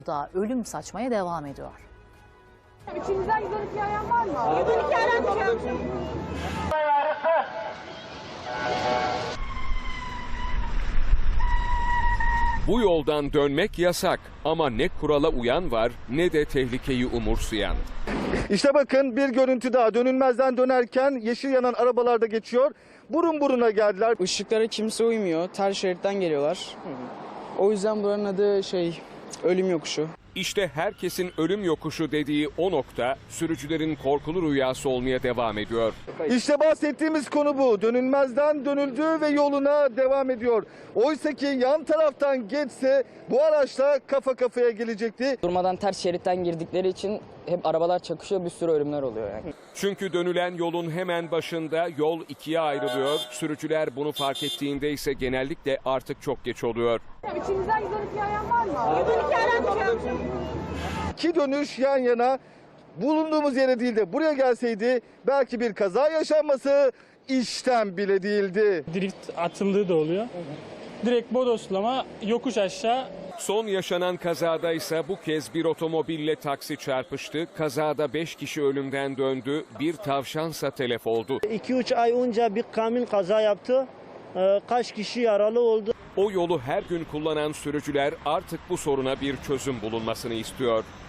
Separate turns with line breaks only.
da ölüm saçmaya devam ediyor.
İçinizden 112 arayan var mı? 112 aramayacağım.
Bu yoldan dönmek yasak ama ne kurala uyan var ne de tehlikeyi umursayan.
İşte bakın bir görüntü daha. Dönülmezden dönerken yeşil yanan arabalar da geçiyor. Burun buruna geldiler.
Işıklara kimse uymuyor. Ters şeritten geliyorlar. O yüzden buranın adı ölüm yokuşu.
İşte herkesin ölüm yokuşu dediği o nokta sürücülerin korkulu rüyası olmaya devam ediyor.
İşte bahsettiğimiz konu bu. Dönülmezden dönüldü ve yoluna devam ediyor. Oysa ki yan taraftan geçse bu araçla kafa kafaya gelecekti.
Durmadan ters şeritten girdikleri için hep arabalar çakışıyor, bir sürü ölümler oluyor yani.
Çünkü dönülen yolun hemen başında yol ikiye ayrılıyor. Sürücüler bunu fark ettiğinde ise genellikle artık çok geç oluyor.
İçinizden 112 arayan var mı? 112 aramayacağım.
İki dönüş yan yana, bulunduğumuz yere değil de buraya gelseydi belki bir kaza yaşanması işten bile değildi.
Drift atıldığı da oluyor. Direkt bodoslama yokuş aşağı.
Son yaşanan kazada ise bu kez bir otomobille taksi çarpıştı. Kazada 5 kişi ölümden döndü, bir tavşansa telef oldu.
2-3 ay önce bir kamyon kaza yaptı. Kaç kişi yaralı oldu.
O yolu her gün kullanan sürücüler artık bu soruna bir çözüm bulunmasını istiyor.